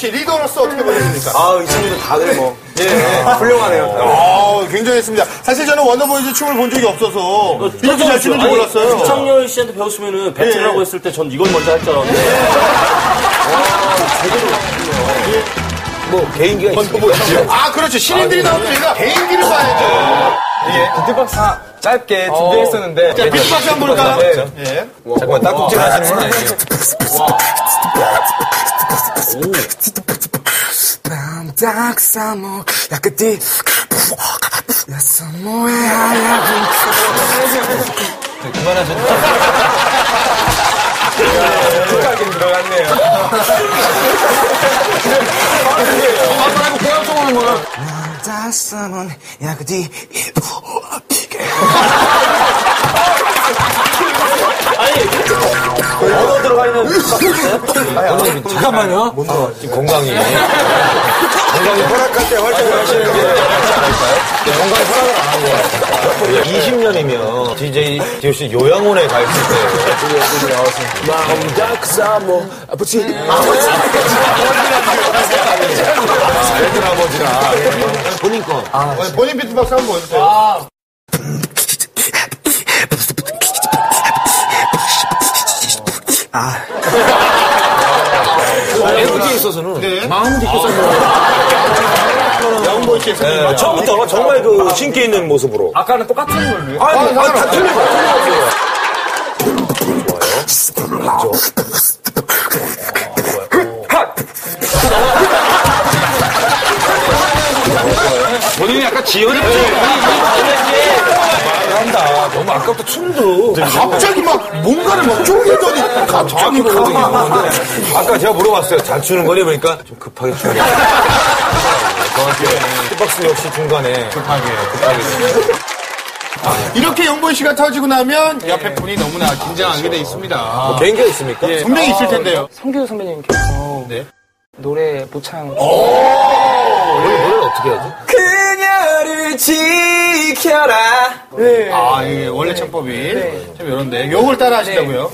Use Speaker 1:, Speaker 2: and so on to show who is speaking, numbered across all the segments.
Speaker 1: 씨 리더로서 어떻게 보셨습니까?
Speaker 2: 이 친구들 다들 뭐. 훌륭하네요.
Speaker 1: 굉장했습니다. 사실 저는 원더보이즈 춤을 본 적이 없어서 이렇게 잘 추는 줄 몰랐어요.
Speaker 3: 이창열 씨한테 배웠으면은 배틀하고 했을 때 전 이걸 먼저 할 줄 알았는데.
Speaker 2: 뭐, 개인기가 있어요.
Speaker 1: 그렇죠. 신인들이 나오면 저희가 개인기를 봐야죠.
Speaker 2: 비트박스 짧게 준비했었는데.
Speaker 1: 자, 비트박스 한번 볼까요?
Speaker 2: 예. 잠깐만, 딱꼭질 하시는 건 아니에요. 그만하셨네. 축하하긴 들어갔네요. 말고 계약적으로 뭐라.
Speaker 3: 언어 들어가 있는 비트박스 있어요?
Speaker 2: 잠깐만요. 지금 건강이 허락할 때 활동을 하시는 게 낫지 않을까요? 건강이 허락을 안 한 것 같아요. 20년이면 DJ DOC 요양원에 가 있을 때 아버지랑 본인 거.
Speaker 1: 본인 비트박스 한번 보여주세요.
Speaker 2: FT에 있어서는 마음 깊게
Speaker 1: 양보이 씨.
Speaker 2: 처음부터 정말 그 신기 있는 모습으로.
Speaker 3: 아까는 똑같은 걸로요?
Speaker 2: 다 틀려요. 좋아요. 본인이 약간 지연이 한다. 너무 아까부터 춤도
Speaker 1: 갑자기 막 뭔가를 막 쪼개더니 갑자기
Speaker 2: 아까 제가 물어봤어요. 잘 추는 거니? 그러니까 좀 급하게 추는 거. 저한테 hit박스 역시 중간에 급하게.
Speaker 1: 이렇게 영보이 씨가 터지고 나면 옆에 분이 너무나 긴장하게 돼 있습니다.
Speaker 2: 뭐 개인기가 있습니까?
Speaker 1: 분명히 있을 텐데요.
Speaker 4: 성규 선배님께서 노래 모창.
Speaker 2: 노래를 어떻게 하죠?
Speaker 4: 그녀를 지켜라.
Speaker 1: 이게 원래 창법이 좀 이런데 요걸 따라 하시다고요?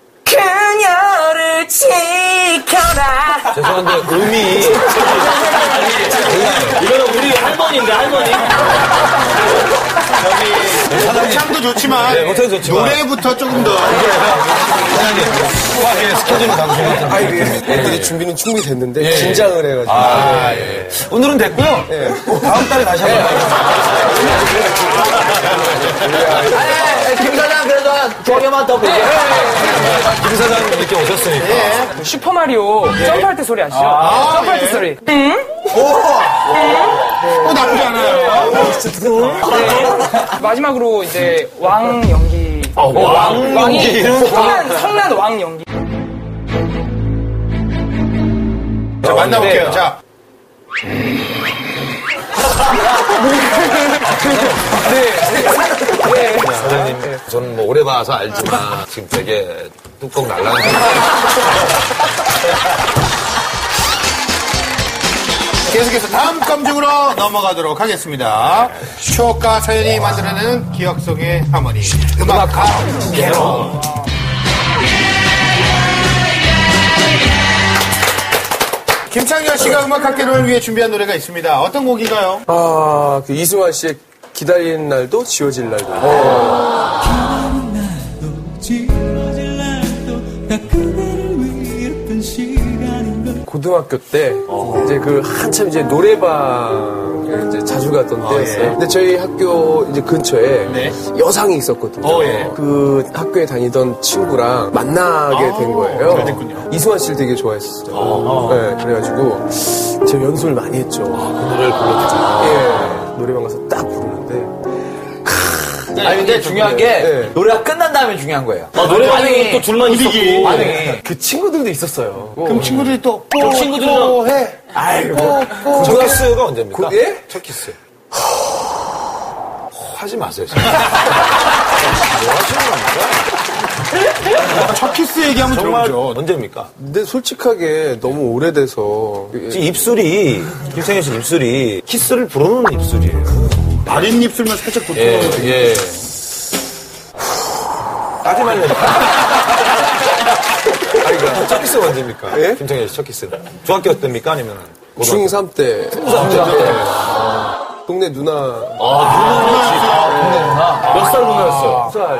Speaker 4: 그녀를 지켜라.
Speaker 2: 죄송한데 음이
Speaker 3: 이거는 우리 할머니인데, 할머니.
Speaker 1: 모창도 좋지만
Speaker 2: 모창도 좋지만
Speaker 1: 노래부터 조금 더
Speaker 2: 후하게 스케줄을 잡으시면
Speaker 5: 애들이 준비는 충분히 됐는데 긴장을 해가지고
Speaker 2: 오늘은 됐고요. 다음 달에 다시 한번
Speaker 3: 김 사장 그래도 조개만 더 보게.
Speaker 2: 김 사장님 이렇게 오셨으니까.
Speaker 4: 슈퍼마리오 점프할 때 소리 아시죠? 점프할 때 소리.
Speaker 1: 나쁘지 않아요.
Speaker 4: 마지막으로 이제 왕 연기.
Speaker 2: 왕이
Speaker 4: 성난 왕 연기.
Speaker 1: 자, 만나볼게요. 자.
Speaker 2: 사장님, 저는 뭐 오래 봐서 알지만 지금 되게 뚜껑 날라가는
Speaker 1: 계속해서 다음 감정으로 넘어가도록 하겠습니다. 추억과 사연이 만들어내는 기억 속의 하모니. 음악학 개론. 김창렬 씨가 음악학 개론을 위해 준비한 노래가 있습니다. 어떤 곡인가요?
Speaker 5: 그 이승환 씨의 기다리는 날도 지워질 날도. 고등학교 때 이제 그 한참 이제 노래방에 이제 자주 갔던 때였어요. 근데 저희 학교 이제 근처에 여상이 있었거든요. 그 학교에 다니던 친구랑 만나게 된 거예요.
Speaker 1: 잘 됐군요.
Speaker 5: 이승환 씨를 되게 좋아했었어요. 네, 그래가지고 제가 연습을 많이 했죠.
Speaker 2: 그 노래를 불렀죠.
Speaker 5: 노래방 가서 딱 부르는데.
Speaker 3: 아니, 근데 중요한 게 노래가 끝난 다음에 중요한 거예요. 노래방에 또 둘만 있었고.
Speaker 5: 그 친구들도 있었어요.
Speaker 1: 그럼 친구들이 또
Speaker 3: 친구들이랑
Speaker 1: 해.
Speaker 2: 첫 키스가 언제입니까?
Speaker 5: 예?
Speaker 2: 첫 키스. 하지 마세요. 진짜. 뭐 하시는 겁니까?
Speaker 1: 첫 키스 얘기하면
Speaker 2: 정말
Speaker 1: 들어오죠.
Speaker 2: 언제입니까?
Speaker 5: 근데 솔직하게 너무 오래돼서.
Speaker 2: 지금 입술이, 김창현 씨 입술이 키스를 부르는 입술이에요.
Speaker 1: 마린 입술만 살짝 붙어.
Speaker 2: 예. 따지 말래니까.
Speaker 5: 제가.
Speaker 2: 첫 키스가 언제입니까?
Speaker 5: 예?
Speaker 2: 김창현 씨 첫 키스는. 중학교 때입니까? 아니면?
Speaker 5: 중3 때. 동네 누나.
Speaker 3: 몇 살 누나였어요?
Speaker 5: 2살.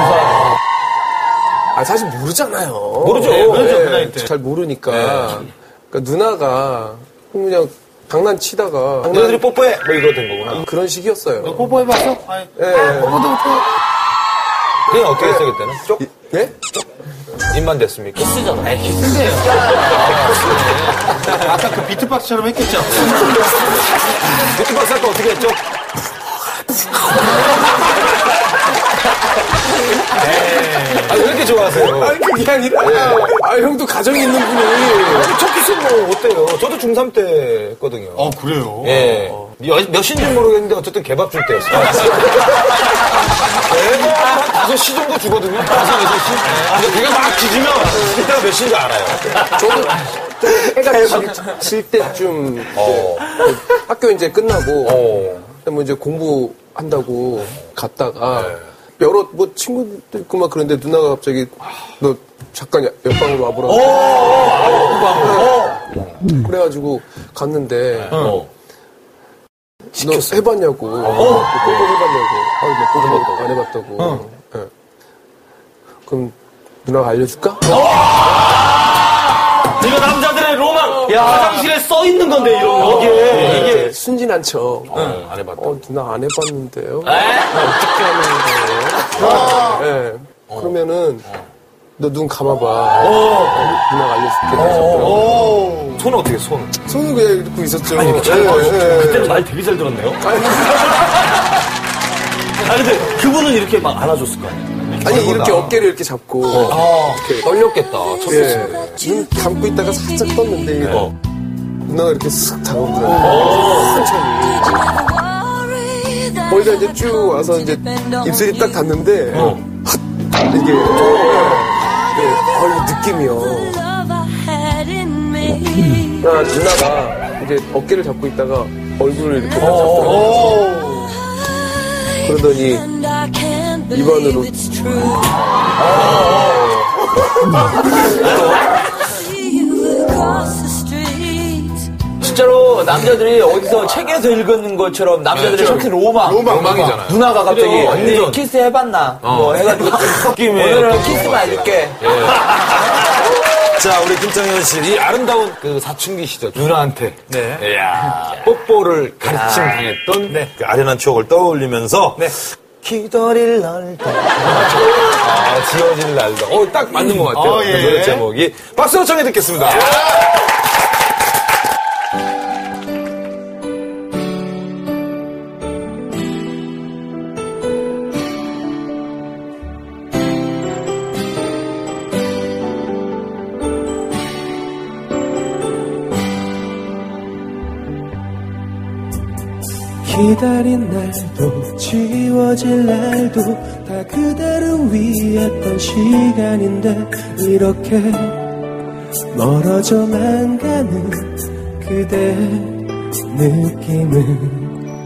Speaker 5: 사실 모르잖아요.
Speaker 2: 모르죠.
Speaker 1: 그 나이 때.
Speaker 5: 잘 모르니까. 그러니까 누나가 그냥 장난치다가.
Speaker 2: 너희들이 뽀뽀해! 뭐 이거 된 거구나.
Speaker 5: 그런 식이었어요.
Speaker 1: 뽀뽀해봤어? 뽀뽀도 못해.
Speaker 2: 그냥 어떻게 했어요, 그때는? 쪽?
Speaker 5: 예?
Speaker 2: 입만 됐습니까?
Speaker 3: 키스잖아.
Speaker 1: 아까 그 비트박스처럼 했겠죠?
Speaker 2: 비트박스 할 때 어떻게 했죠? 왜 이렇게 좋아하세요?
Speaker 5: 아니, 그게 아니라. 형도 가정이 있는 분이.
Speaker 2: 첫 키스는 뭐 어때요? 저도 중3 때 했거든요.
Speaker 1: 그래요?
Speaker 2: 예. 몇 시인지는 모르겠는데 어쨌든 개밥 줄 때였어요. 개밥 한 5시 정도 주거든요. 5, 6시. 근데 그게 막 지지면 그때가 몇 시인지 알아요.
Speaker 5: 저도 해가 질 때쯤 학교 이제 끝나고 뭐 이제 공부한다고 갔다가 여러 뭐 친구들 있고 막 그런데 누나가 갑자기 너 잠깐 옆방으로 와보라고. 그래가지고 갔는데 너 해봤냐고. 뽀뽀 해봤냐고. 뽀뽀 안 해봤다고. 네. 그럼 누나가 알려줄까?
Speaker 3: 이거 남자들의 로망! 화장실에 써 있는 건데, 이런 거.
Speaker 5: 이게 순진한 척.
Speaker 2: 안 해봤다.
Speaker 5: 누나 안 해봤는데요. 어떻게 하는 거예요? 네. 그러면은 너 눈 감아봐. 누나가 알려줄게.
Speaker 2: 손은 어떻게 손?
Speaker 5: 손은 그냥 이러고 있었죠.
Speaker 3: 아니, 그때는 말 되게 잘 들었네요. 아니, 근데 그분은 이렇게 막 안아줬을 거 아니에요?
Speaker 5: 아니 이렇게 어깨를 이렇게 잡고 이렇게
Speaker 2: 떨렸겠다. 첫 키스.
Speaker 5: 눈 감고 있다가 살짝 떴는데 누나가 이렇게 쓱 다가오더라고요. 천천히. 거기가 이제 쭉 와서 이제 입술이 딱 닿는데 이게 이 느낌이요. 누나가 이제 어깨를 잡고 있다가 얼굴을 이렇게 딱 잡더라고요. 그러더니 입안으로
Speaker 3: 진짜로 남자들이 어디서 책에서 읽은 것처럼 남자들의 첫 키스 로망이잖아요. 누나가 갑자기 언니 키스 해봤나? 뭐 해가지고 오늘은 키스만 해줄게.
Speaker 2: 자, 우리 김창현 씨, 이 아름다운 그 사춘기 시절 누나한테 이야, 뽀뽀를 가르침 당했던 그 아련한 추억을 떠올리면서 기다릴 날도 지워질 날도 딱 맞는 것 같아요. 그 노래 제목이 박수로 청해 듣겠습니다.
Speaker 6: 기다린 날도 지워질 날도 다 그대를 위했던 시간인데 이렇게 멀어져만 가는 그대의 느낌은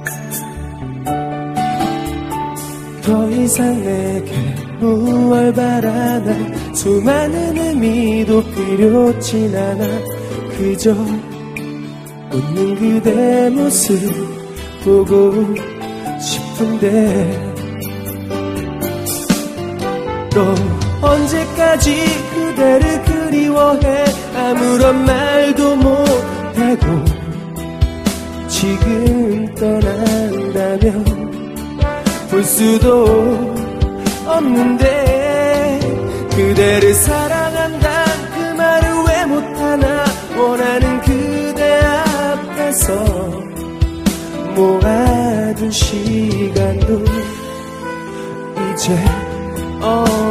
Speaker 6: 더 이상 내게 무얼 바라나 수많은 의미도 필요치 않아 그저 웃는 그대 모습 보고 싶은데 또 언제까지 그대를 그리워해 아무런 말도 못하고 지금 떠난다면 볼 수도 없는데 그대를 사랑한다 그 말을 왜 못하나 원하는 그대 앞에서 모아둔 시간도 이제